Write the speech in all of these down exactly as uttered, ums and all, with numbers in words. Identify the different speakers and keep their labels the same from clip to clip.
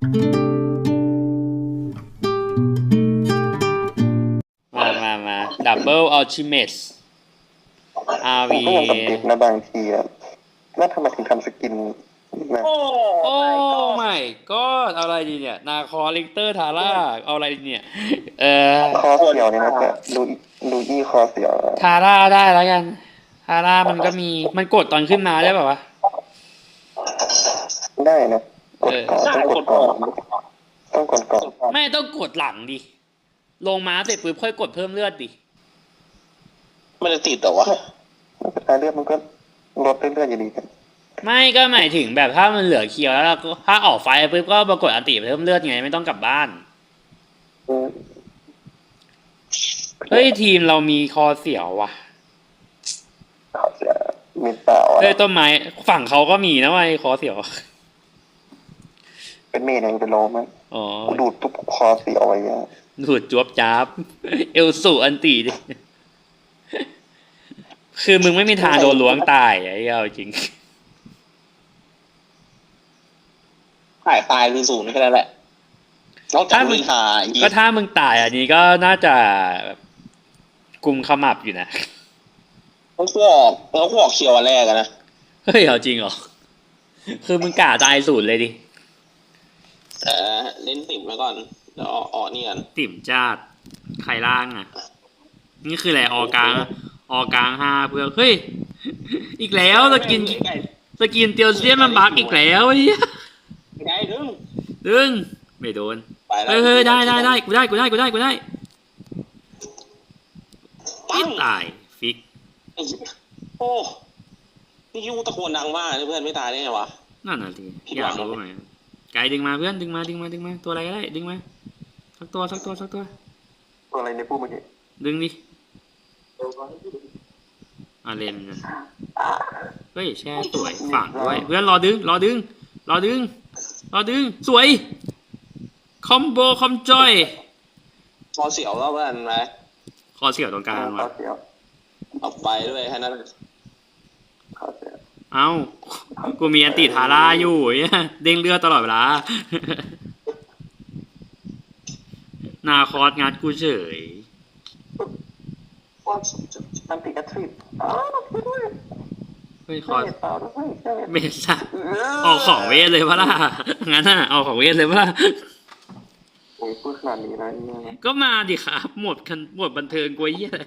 Speaker 1: มามามาดับเบิลอัลติเมทอาร์วี
Speaker 2: ผมก็ยังสังเกตนะบางทีอะน่าทำไมถึงทำสกินนะ
Speaker 1: โอ้ไม่ก็อะไรดีเนี่ยนาคอลิกเตอร์ทาร่าเอาอะไรดีเนี่ยเออ
Speaker 2: คอเสียวเนี่ยนะก็ดูดูอี้คอเสียว
Speaker 1: ทาร่าได้แล้วกันทาร่ามันก็มีมันกดตอนขึ้นมาได้ป่าวะ
Speaker 2: ได้นะกดก่อนต้องกดก่อนต้องกดก่อน
Speaker 1: ไม่ต้องกดหลังดิลงมาเสร็จปุ๊บค่อยกดเพิ่มเลือดดิ
Speaker 3: มันจะติดแต่ว่า
Speaker 2: สุดท้ายเลือดมันก็ลดเรื่อยๆอยู่ดีกัน
Speaker 1: ไม่ก็หมายถึงแบบถ้ามันเหลือเคียวแล้วถ้าออกไฟปุ๊บก็ปรากฏอันติเพิ่มเลือดไงไม่ต้องกลับบ้านเฮ้ยทีมเรามีคอเสียวว่ะ
Speaker 2: คอเสียวมีเต่า
Speaker 1: เฮ้ยต้นไม้ฝั่งเขาก็มีนะไอ้คอเสียว
Speaker 2: เป็นเมย์ยังเป็นโลมั้ย
Speaker 1: อ๋อ
Speaker 2: ดูดตุ๊บคอเสียวไว้อะ
Speaker 1: ดูดจวบจ้าบเอลสูอันติดิคือมึงไม่มีทางโดนล้วงตายไอ้เหี้ยจริง
Speaker 3: ถ่ายตายคือศูนย์แค่นั้นแหละนอกจากมึงหาย
Speaker 1: ก็ถ้ามึงตายอันนี้ก็น่าจะกุมขมับอยู่นะ
Speaker 3: ต้องขวอกต้องขวอกเคียววันแรกนะ
Speaker 1: เฮ้ยเอาจริงเหรอคือมึงกะตายศูนย์เลยดิ
Speaker 3: เออเล่นติ่มไว้ก่อนเดี๋ยวออกนี่กัน
Speaker 1: ติ่มจาดไข่ล่างอ่ะนี่คืออะไรออกลางออกลางห้าเพื่อเฮ้ยอีกแล้วสกินสกินเตียวเซียนมันบักอีกแล้วไอ้เหี้ย
Speaker 3: ไม่ได้ดึง
Speaker 1: ดึงไม่โดนเฮ้ยเฮ้ยได้ได้ได้กูได้กูได้กูได้กูได้ปิดตายฟิก
Speaker 3: โอ้นี่ยูตะโกนดังมากเพื่อนไม่ตายได้ไงวะ
Speaker 1: นั่นน่ะสิอยากรู้ไหมไกดึงมาเพื่อนดึงมาดึงมาดึงมาตัวอะไรก็ได้ดึงมาสักตัวสักตัวสักตัว
Speaker 2: ตัวอะไรในปูเมื่อกี้
Speaker 1: ดึงดิอาเลนเฮ้ยแช่สวยฝั่งด้วยเพื่อนรอดึงรอดึงรอดึงรอดึงสวยคอมโบคอมจอย
Speaker 3: คอเสียวแล้วเพื่อนไหม
Speaker 1: คอเสียวตรงกลาง
Speaker 2: วะ
Speaker 3: เอาไปด้วยแค่นั้น
Speaker 1: เอ้ากูมีอันติทาร่าอยู่เนี่ยเด้งเลือดตลอดเวลานาคอสงัดกูเฉย
Speaker 2: อันติกระทริป
Speaker 1: เฮ้ยคอสเมซ่าออกของเวทเลยปะล่ะงั้นน่ะออกของเวทเลยปะล่ะ
Speaker 2: โอ้ยพูดขนาดนี้นะ
Speaker 1: ก็มาดิครับหมดคันหมดบันเทิงกวยยี่อะไร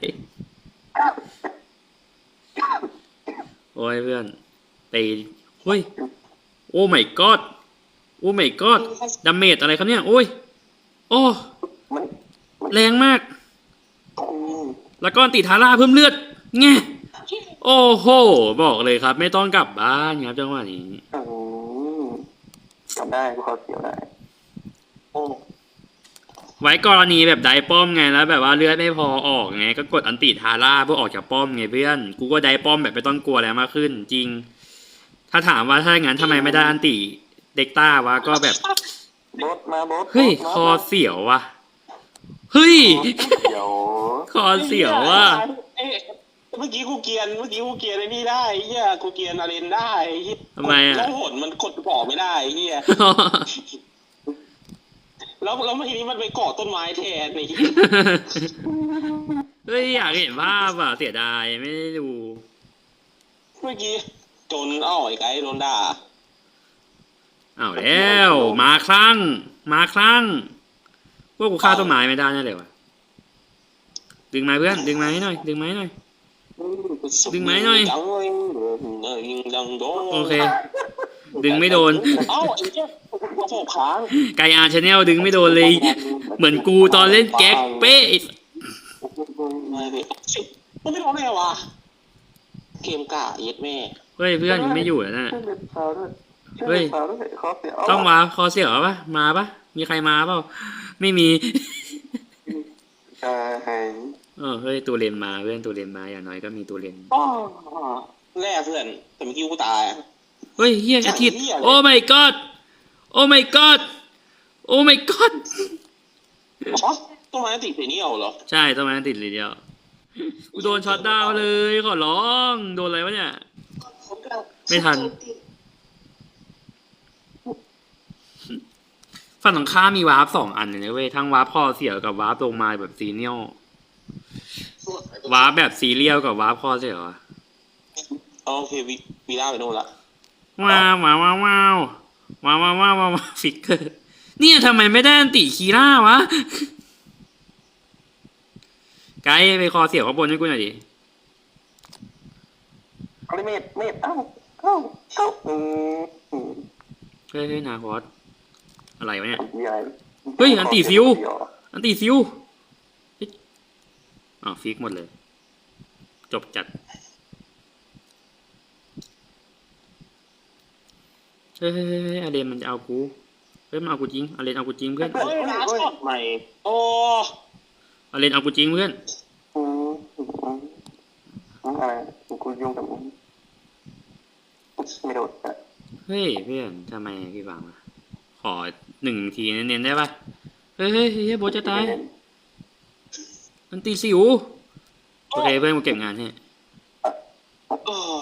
Speaker 1: โอ้ยเพื่อนตีเฮ้ยโอ้ my god โอ้ my god ดาเมจอะไรครับเนี่ยโอ้ยโอ้แรงมากแล้วก็ตีทาร่าเพิ่มเลือดไงโอ้โหบอกเลยครับไม่ต้องกลับบ้านครับจังหวะนี้
Speaker 2: กลับได้กูเขาเสียวได้
Speaker 3: โอ้
Speaker 1: ไว้กรณีแบบได้ป้อมไงแล้วแบบว่าเลือดไม่พอออกไงก็กดอันติทาร่าเพื่อออกจากป้อมไงเพื่อนกูก็ได้ป้อมแบบไม่ต้องกลัวแล้วมากขึ้นจริงถ้าถามว่าถ้าอย่างนั้นทำไมไม่ได้อันติเด็กต้าวะก็แบบเฮ้ยคอเสียววะเฮ้ยคอเสียววะ
Speaker 3: เมื่อกี้กูเกียนเมื่อกี้กูเกียนไอ้นี่ได้เฮียกูเกียนอารีนได้
Speaker 1: ทำไมอ่ะ
Speaker 3: แล้วหนมันกดต่อไม่ได้เฮียแล้วแล้วเมื่อกี้มันไปเกาะต้นไม้แทนไอ้
Speaker 1: เฮ้ยอยากเห็นภาพอ่ะเสียดายไม่ได้ดู
Speaker 3: เมื่อกี้จนเอ้าไอ้ไก่โดนด่า
Speaker 1: อ้าวแล้วมาครั้งมาครั้งพวกกูฆ่าต้นไม้ไม่ได้แน่เลยวะดึงไม้เพื่อนดึงไม้หน่อยดึงไม้หน่อยดึงไม้หน่อยโอเคดึงไม่โดนไกอาร์ชาแนลดึงไม่โดนเลยเหมือนกูตอนเล่นแก๊กเป๊ะ
Speaker 3: มันไม่ร้องไงวะเกมกะเย็ดแม่
Speaker 1: เฮ้ยเพื่อนยังไม่อยู่แล้วนะเฮ้ยต้องมาคอเสียวปะมาปะมีใครมาเปล่าไม่มีเออเฮ้ยตัวเลนมาเพื่อนตัวเลนมาอย่างน้อยก็มีตัวเลน
Speaker 3: แร่เพื่อนแต่เมื่อกี้กูตาย
Speaker 1: เฮ้ยเฮียอาทิตย์โอ้ my god โอ้ my god โอ้ my god
Speaker 3: ต้นไม้ติดสีนี้เอาเหรอ
Speaker 1: ใช่ต้นไม้ติดเลยเดียวกูโดนช็อตดาวเลยขอร้องโดนอะไรวะเนี่ยไม่ทันฝั่งตรงข้ามมีวาร์ปสองอันเลยนะเว้ยทั้งวาร์ปคอเสียวกับวาร์ปลงมาแบบซีเนียลวาร์ปแบบซีเรียลกับวาร์ปคอเสียวอะ
Speaker 3: โอเควีวีล่าไปโน่นละ
Speaker 1: ว้าวว้าวว้าวว้าวว้าวว้าวว้าวว้าวฟิกเกอร์เนี่ยทำไมไม่ได้อันติคีร่าวะไกด์ไปคอเสียวข้างบนให้กูหน่อยดิ
Speaker 2: เอาเลยเมดเมดเอ้าเอ้าเอ้าอืมอืม
Speaker 1: เฮ้ยเฮ้ยนาคอสอะไรวะเนี่ย
Speaker 2: มีอะไร
Speaker 1: เฮ้ยอันตีฟิว อันตีซิวเฮ้ยอ๋อฟิกหมดเลย จบจัดเฮ้ยเฮ้ยเฮ้ยเฮ้ยอาเรนมันจะเอากูเฮ้ยมันเอากูจริงอาเรนเอากูจริงเพื่อน
Speaker 3: เฮ้ยร้านช็อตใหม่โอ้
Speaker 1: อาเรนเอากูจริงเพื่อน
Speaker 2: อืมอืมอืมอืมอะไรกูยุ่งกับมึงไม่โดดอะ
Speaker 1: เฮ้ยเพื่อนทำไมพี่บังวะขอหนึ่งทีเน้นๆได้ปะเฮ้ยเฮ้ยเฮ้ยโบทจะตายมันตีสิวโอเคเพื่อนกูเก็บงานให้
Speaker 3: เออ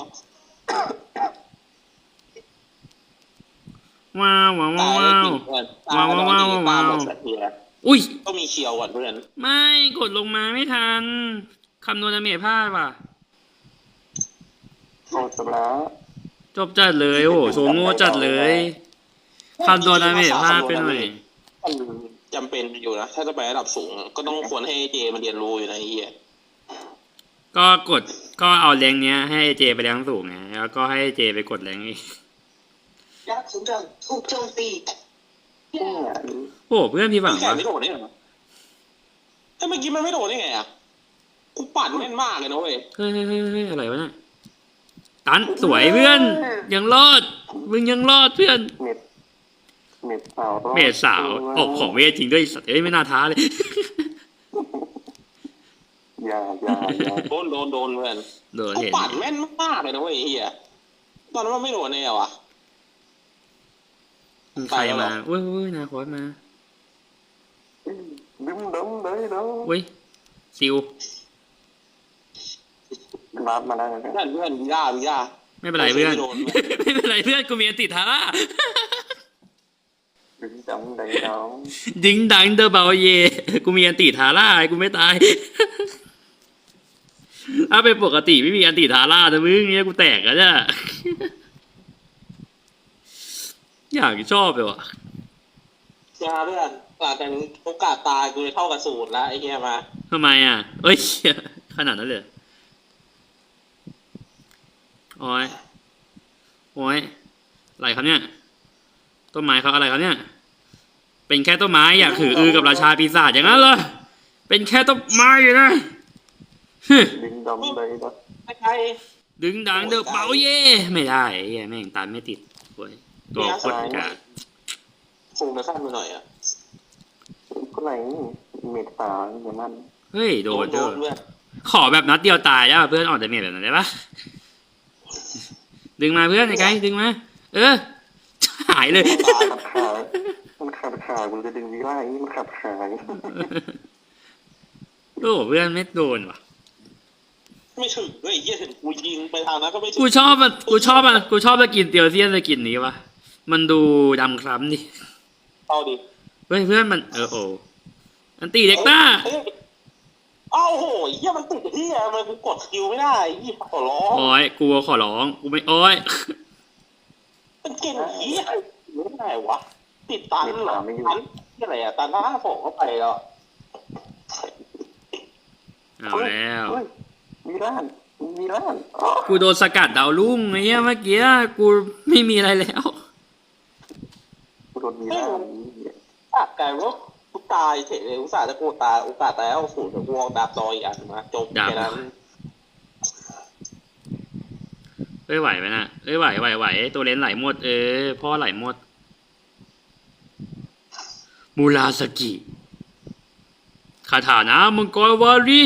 Speaker 1: ว้าวว้าว
Speaker 3: ตาย
Speaker 1: ว้าว
Speaker 3: จริงเพื่อน
Speaker 1: ว้าวว้าวว้าวว้าว
Speaker 3: ตายหมดสักทีแล้ว
Speaker 1: อุ้ย
Speaker 3: ก็มีเคียวก่อนเพื่อน
Speaker 1: ไม่กดลงมาไม่ทันคำนวณดาเมจพลาดว่ะ
Speaker 2: โอ้จบแล้ว
Speaker 1: จบจัดเลยโอ้โหโซโง่จัดเลยคำนวณดาเมจพลาดไปหน่อย
Speaker 3: มันจำเป็นอยู่นะ ถ้าจะไประดับสูง ก็ต้องควรให้เจมันเรียนรู้อยู่นะไอ้เหี้ย
Speaker 1: ก็กดก็เอาแรงเนี้ยให้ไอ้เจไปแรงสูงไงแล้วก็ให้ไอ้เจไปกดแรงอีก
Speaker 4: ยักษ์สำหรับถูกโจมตี
Speaker 2: เนี่ย
Speaker 1: โอ้เพื่อนพี่หวัง
Speaker 3: แข่
Speaker 1: วะ
Speaker 3: ไม่โดดได้เหรอเฮ้ยเมื่อกี้มันไม่โดดได้ไงอ่ะกูปั่นแม่นมากเลยนะเว้ย
Speaker 1: เฮ้ยเฮ้ยเฮ้ยเฮ้ยอะไรวะเนี่ยตันสวยเพื่อน ยังรอดมึงยังรอดเพื่อน
Speaker 2: เม็ดเม็ดสาว
Speaker 1: เมดสาวออกของเวทจริงด้วยสัตว์เอ้ยไม่น่าท้าเลย
Speaker 2: อย่าอย่าอย่า
Speaker 3: โดนโดนโดนเพื่อน
Speaker 1: โดน
Speaker 3: กู
Speaker 1: เห็น
Speaker 3: ปั่นแม่นมากเลยนะเว้ยไอ้เหี้ยตอนนั้นมันไม่โดนแน่วะ
Speaker 1: มึงใครมาเว้ยเว้ยนาคอสมา
Speaker 2: ดึงดึงเลยเนาะ
Speaker 1: เว้ยซิว
Speaker 2: รับมาได้ไหม
Speaker 3: เพื่อนเพื่อนวีล่าวีล่า
Speaker 1: ไม่เป็นไรเพื่อน
Speaker 3: โดน
Speaker 1: ไม่เป็นไรเพื่อนกูมีอันติดทาร่า
Speaker 2: ดึงจังได้เนาะ
Speaker 1: ดิงดังเดอะเบลเยกูมีอันติทาร่ากูไม่ตาย ถ้าเป็นปกติไม่มีอันติทาร่าแต่มึงเนี้ยกูแตกแล้วจ้ะ อยากชอบเลยว่ะ
Speaker 3: ยาเพื่อนหลังจากนี้โอกาสตายกูจะเท่ากับศูนย์แล้วไอ้เหี้ยมา
Speaker 1: ทำไมอ่ะ เอ้ย ขนาดนั้นเลยโอ้ยโอ้ยอะไรครับเนี่ย ต้นไม้เขาอะไรครับเนี่ย เป็นแค่ต้นไม้อยากถืออือกับราชาปีศาจอย่างนั้นเหรอ เป็นแค่ต้นไม้อยู่นะฮึ
Speaker 2: ดึงดำเลยเนาะ
Speaker 3: ใคร
Speaker 1: ดึงดังเดอะเบาเย่ไม่ได้ไอ้เหี้ยแม่งตันไม่ติดโว้ยตัวโคตรกาก
Speaker 3: ซูมไปขั้นไปหน่อยอ่ะ
Speaker 2: ก็ไหนเม็ดสาวอย่างนั้น
Speaker 1: เฮ้ยโดน
Speaker 3: โด
Speaker 1: เด้อน
Speaker 3: เพื่อน
Speaker 1: ขอแบบนัดเดียวตายได้ป่ะเพื่อนออกดาเมจแบบนั้นได้ปะดึงมาเพื่อนไอ้ไกด์ดึงมา เออ หายเลย
Speaker 2: ขัดขามันขัดขากูจะดึงวิล่าอย่างนี้มันขัดขา
Speaker 1: โอ้เพื่อนไม่โดนว่ะ
Speaker 3: ไม่ถึงด้วยไอ้เหี้ยถึงกูยิงไปทางนั้นก็ไม่ถึง
Speaker 1: กูชอบมันกูชอบมันกูชอบสกินเตียวเซียนสกินนี้วะมันดูดำคล้ำดิ
Speaker 3: เอาดิ
Speaker 1: เฮ้ยเพื่อนมันเออโออันตีเด็กต้า
Speaker 3: เอ้ยเอ้าโหไอ้เหี้ยมันติดที่อะมันกูกดสกิลไม่ได้ไอ้เหี้ยขอร้อง
Speaker 1: โอ้ยกูขอร้องกูไม่โอ้ย
Speaker 3: มันเก่งไอ้เหี้ยไม่ได้วะติดตันเหรอตันที่อะไรอะตันหน้าผมเข้าไปแล้ว
Speaker 1: เอาแล้ว
Speaker 2: วิล่าวิล่า
Speaker 1: กูโดนสกัดดาวรุ่งไอ้เงี้ยเมื่อกี้กูไม่มีอะไรแล้ว
Speaker 2: กูโดนวิล่า
Speaker 3: ตัดกลายว่ากูตายเฉยเลยอุตส่าห์จะกูตายโอกาสตายเอาศูนย์แต่กูเอาดาบดอยอีกอันมาจบแค่นั้น
Speaker 1: เอ้ยไหวไหมนะเอ้ยไหวไหวไหวตัวเลนไหลหมดเออพ่อไหลหมดมูราสกิคาถานะมังกรวารี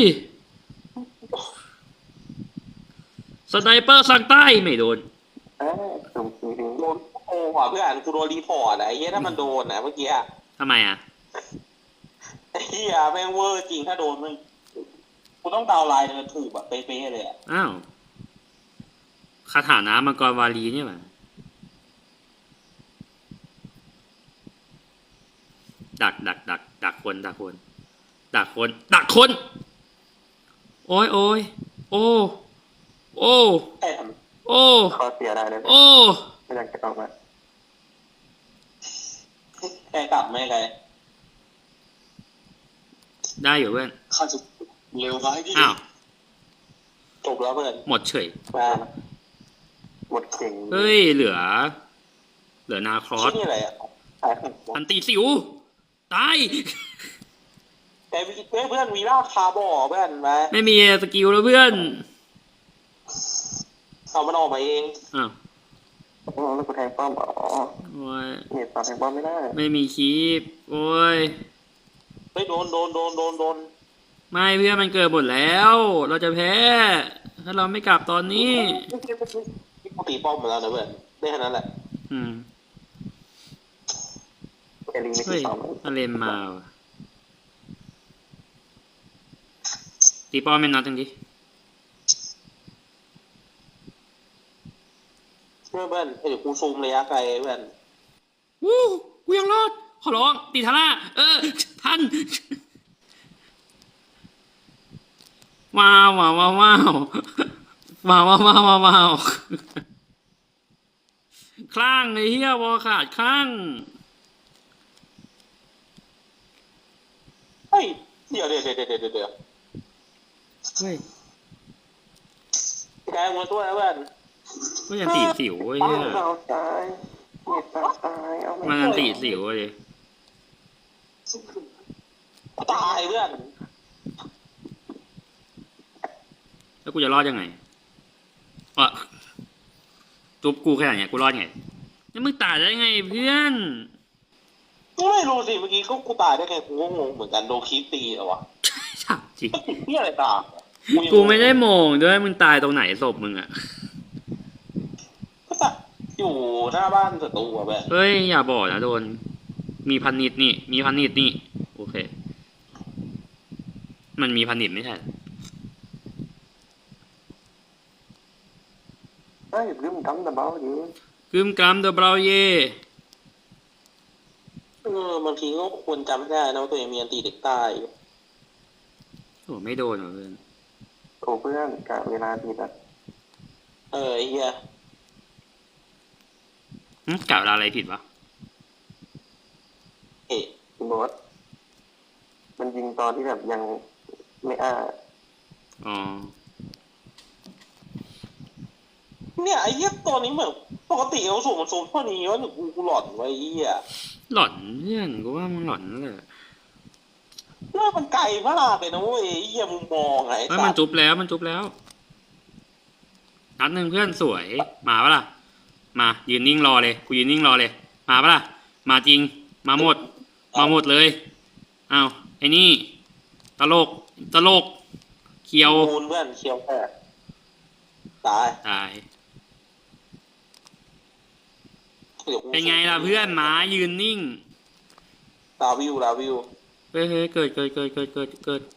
Speaker 1: สไนเปอร์สั่งใต้ไม่โดน
Speaker 2: เออสมจริง
Speaker 3: โดนโอ้ว่ะเพื่อนกูโดนรีพอร์ตอะไอ้เหี้ยถ้ามันโดนนะเมื่อกี้อะ
Speaker 1: ทำไมอ่ะ
Speaker 3: ไอ้เหี้ยแม่งเวอร์จริงถ้าโดนมันกูต้องดาวน์ไลน์เดินถูกแบบเป๊ะๆเลยอะ
Speaker 1: อ้าวคาถานะมังกรวารีเนี่ยหว่าดักดักดักดักคนดักคนดักคนดักคน โอ้ยโอ้ยโอ้โอ้
Speaker 3: ไอ้ท
Speaker 1: โอ้
Speaker 2: ขอเสียได้เลย
Speaker 1: โอ้
Speaker 2: ไม่อยากจะออกมา
Speaker 3: ำไกลกลับไม่ไกล
Speaker 1: ได้อยู่เพื่อน
Speaker 4: ข้าจะเลวร้ายที่
Speaker 1: อ้าว
Speaker 3: จบแล้วเพื่อน
Speaker 1: หมดเฉย
Speaker 3: มา
Speaker 2: หมดเข่ง
Speaker 1: เฮ้ยเหลือ เหลือนาครอ
Speaker 3: ที่
Speaker 1: ส
Speaker 3: นี่อะไรอ่ะ
Speaker 2: หายของ
Speaker 1: อันตีสิวตาย
Speaker 3: แต่เพื่อนวีล่าคาร์บอเพื่อนมา
Speaker 1: ไม่มีสกิลแล้วเพื่อน
Speaker 3: เอามันออกมาเอง
Speaker 1: อ้าว
Speaker 2: อ๋อแล้วกูแทงป้อมอ๋อ
Speaker 1: โอ้ย
Speaker 2: เน็ตต่อแทงป้อมไม่ได้
Speaker 1: ไม่มีคีปโอ้ย
Speaker 3: เฮ้ยโดนโดนโดนโดนโดน
Speaker 1: ไม่เพื่อนมันเกิดหมดแล้ว เราจะแพ้ ถ้าเราไม่กลับตอนนี้
Speaker 3: กูตีป้อมมาแล้วนะเพื่อนได้แค่นั้นแหละ
Speaker 1: อืม
Speaker 2: เอลิงไม่
Speaker 1: เฮ้
Speaker 2: ติ
Speaker 1: ย
Speaker 2: ดต่อม
Speaker 1: อาเลนมาว่ะตีป้อมเป็นนัดจังดิ
Speaker 3: เพื่อนเพื่อนเดี๋ยวกูซูมระยะไกลเพื่อน
Speaker 1: วู้กูยังรอด ขอร้อง ตีทาร่า เออ ทัน ว้าวว้าวว้าวว้าวว้าวว้าวว้าวว้าวว้าวคลั่งไอ้เหี้ยวอขาดคลั่ง
Speaker 3: เฮ้ยเดี๋ยวเดี๋ยวเดี๋ยวเดี๋ยวเดี๋ยวเดี๋ยว
Speaker 1: เฮ้ย
Speaker 3: แกงมาตัวนะเพื่อน
Speaker 1: ก็ยังตีสิวไอ้
Speaker 2: ป้อ
Speaker 1: เหี้
Speaker 2: ม
Speaker 1: ย
Speaker 2: เราตายเน็ตเราตายเอาไม่
Speaker 1: มันยังตีสิวเลย
Speaker 3: ตายเพื่อน
Speaker 1: แล้วกูจะรอดยังไงอ่ะจุบกูแค่ไหนเนี่ยกูรอดไงแล้วมึงตายได้ไงเพื่อน
Speaker 3: กูไม่รู้สิเมื่อกี้ก็กูตายได้ไงกูก็งงเหมือนกันโดนคีตีเหรอวะ
Speaker 1: ถามจริง
Speaker 3: ติดที่อะไรตาม
Speaker 1: กูไม่ได้โมงด้วยมึงตายตรงไหนศพมึงอ่ะ
Speaker 3: ก็สักอยู่หน้าบ้านศัตรูอะแบบ
Speaker 1: เฮ้ยอย่าบอกนะโดน มีพันนิดนี่ มีพันนิดนี่ โอเค มันมีพันนิดไม่ใช่เหรอ
Speaker 2: เอ้ยลืมทำแต่เบาอยู่
Speaker 1: กึมกรัมเดอะบราวเย่
Speaker 3: เออบางทีก็ควรจำให้ได้นะว่าตัวเองมีอันตีเด็กใต้
Speaker 1: โอ้ไม่โดนเหรอเพื่อน
Speaker 2: โอ้เพื่อนกะเวลาผิดอ่ะ
Speaker 3: เออไอ้เหี้ย
Speaker 1: หึกล่าวอะไรผิดวะ
Speaker 3: เฮ้ย
Speaker 2: คุณบอสมันยิงตอนที่แบบยังไม่อ้า
Speaker 1: อ๋อ
Speaker 3: เนี่ยไอ้เหี้ยตัวนี้เหมือนปกติเขาสูงมันสูงเท่านี้วะหรือกูกูหลอนไว้ไอ้เหี้ย
Speaker 1: หล่อนเพื่อนกูว่ามึงหล่อนนั่นแหละ
Speaker 3: หน้ามันไกลมากเลยนะเว้ยไอ้เหี้ยมุมมองไง
Speaker 1: เฮ้ยมันจุบแล้วมันจุบแล้ว นัดหนึ่งเพื่อนสวย มาปะล่ะ มายืนนิ่งรอเลย กูยืนนิ่งรอเลย มาปะล่ะ มาจริง มาหมด มาหมดเลยอ้าวไอ้นี่ ตลก ตลก เคียว
Speaker 3: มูลเพื่อนเคียวแค่ตาย
Speaker 1: ตาย
Speaker 3: ดี๋ยวกู
Speaker 1: เป็นไงล่ะเพื่อนหมายืนนิ่ง
Speaker 3: ลาวิวลาวิว
Speaker 1: เฮ้ยเฮ้ยเกิดเกิดเกิดเกิดเกิดเกิด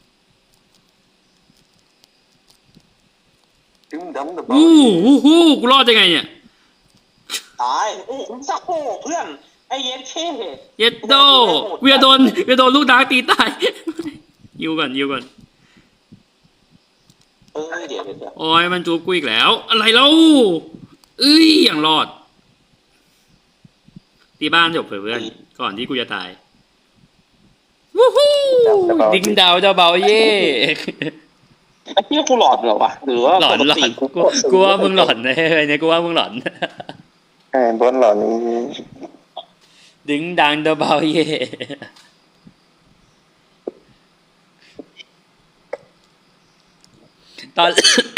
Speaker 2: ลืมดำแต่เบา
Speaker 1: อู้หูหูกูรอดยังไงเนี่ย
Speaker 3: ตายโอ้คุณสักโอ้เพื่อนไอ้เย็นเท่
Speaker 1: เย็ดโดเวียโดนเวียโดนลูกดาร์กตีตาย ยิวก่อนยิวก่อน
Speaker 3: เออเดี๋ยวเดี๋ยวเดี๋ยว
Speaker 1: โอ้ยมันจูบกูอีกแล้ว อะไรเล่าเอ้ยอย่างรอด ตีบ้านจบเพื่อนก่อนที่กูจะตายวู้ฮู้ดิ้งดาวเจ้าเบาเย่
Speaker 3: ไอ้เหี้ยกูหลอดเหรอวะหรือว่า
Speaker 1: หลอน
Speaker 3: ปก
Speaker 1: หลอ
Speaker 3: ติ
Speaker 1: นกูกูว่ามึงหลอนแน่เนี่ยกูว่ามึงหลอน
Speaker 2: แอนบอลหล่อนี้
Speaker 1: ดิ้งดังเจ้าเบาเย่ตอน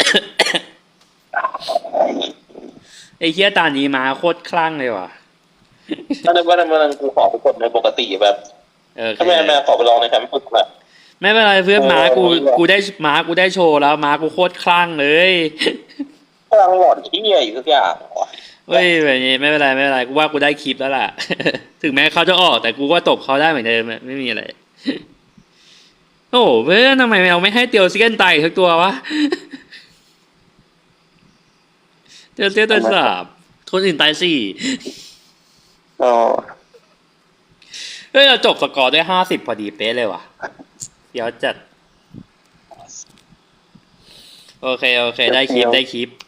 Speaker 1: ไอ้เหี้ยตานี้มาโคตรคลั่งเลยว่ะ
Speaker 3: ตอนนั้นวันนั้นวันนั้นกูขอไปกดในปกติแบบ
Speaker 1: เออ
Speaker 3: ถ้าแม่แม่ขอไปลองในแคมป์ฝึกแบบ
Speaker 1: ไม่เป็นไรเพื่อนม้ากูกูได้ม้ากูได้โชว์แล้วม้ากูโคตรคลั่งเลย
Speaker 3: กำลังหลอนที่เหี้ยอยู่ทุกอย่างวะ
Speaker 1: เฮ้ยแบบนี้ไม่เป็นไรไม่เป็นไรกูว่ากูได้คลิปแล้วล่ะ ถึงแม้เขาจะออกแต่กูก็ตบเขาได้เหมือนเดิมอะไม่มีอะไร โอ้โหเพื่อนทำไมเราไม่ให้เตียวซิเกนตายอีกสักตัววะ เตียวเซียนตายสามคนอื่นตายสี่
Speaker 2: ก็
Speaker 1: เเฮ้ยเราจบสกอร์ด้วยห้าสิบพอดีเป๊ะเลยว่ะเดี๋ยวจัดโอเคโอเคได้คลิปได้คลิป